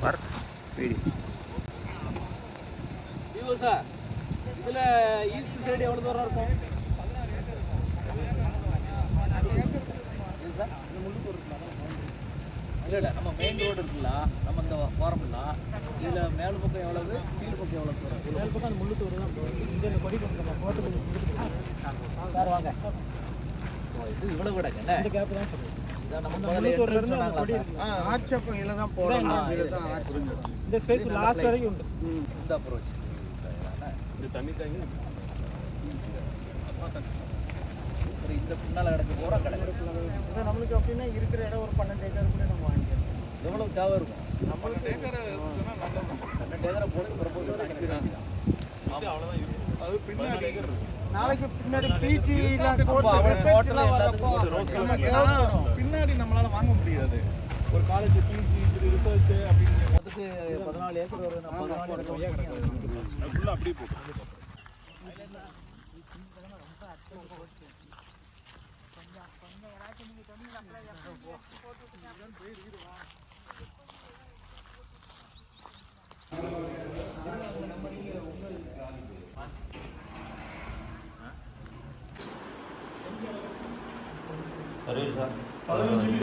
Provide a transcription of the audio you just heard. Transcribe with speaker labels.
Speaker 1: Park வீடு.
Speaker 2: விவோ sir, இதில் ஈஸ்ட் சைடு எவ்வளோ தூரம் இருக்கும்? இது சார் இந்த முள்ளுத்தூர் இல்லை நம்ம மெயின் ரோடு இருக்குல்ல, நம்ம இந்த போகிறோம்ல, இதில் மேல் பக்கம் எவ்வளவு, கீழ் பக்கம் எவ்வளோ தூரம்? மேல் பக்கம் அந்த முள்ளுத்தூர் தான் இங்கே இந்த கொடி நம்ம போகிறதுக்கு சார் வாங்க. இது இவ்வளோ கூட என்ன இந்த கேப் தான் சார். இதான் நம்ம முள்ளுத்தூர்ல இருந்து
Speaker 3: ஆர்ச்சப்பம் இதில் தான் போகணும். இதில் தான் ஆர்ச்.
Speaker 2: இந்த ஸ்பேஸ் லாஸ்ட் வரைக்கும் உண்டு.
Speaker 3: இந்த அப்ரோச்
Speaker 2: இது தண்ணி தாங்கி
Speaker 3: இந்த பின்னால் கிடக்கு போகிற கடை இது நம்மளுக்கு அப்படின்னா இருக்கிற இடம் ஒரு 12 ஏக்கருக்குள்ளே நம்ம வாங்கிக்கலாம்.
Speaker 2: எவ்வளோ தேவை இருக்கும்?
Speaker 3: 12 ஏக்கர்
Speaker 2: 12 ஏக்கரை போட்டு ப்ரப்போசல் அனுப்பிடுறாங்க. அவ்வளோதான் இருக்கும். அது பின்னாடி
Speaker 3: நாளைக்கு பின்னாடி பிஜிலாம் பின்னாடி நம்மளால வாங்க முடியாது. ஒரு காலேஜ் பிஜி ரிசர்ச் அப்படின்னு
Speaker 2: அதுக்கு 14 ஏக்கர் ஒரு 14 ஏக்கர் ஃபுல்லாக அப்படியே போட்டு
Speaker 1: சரி சார்.
Speaker 3: 15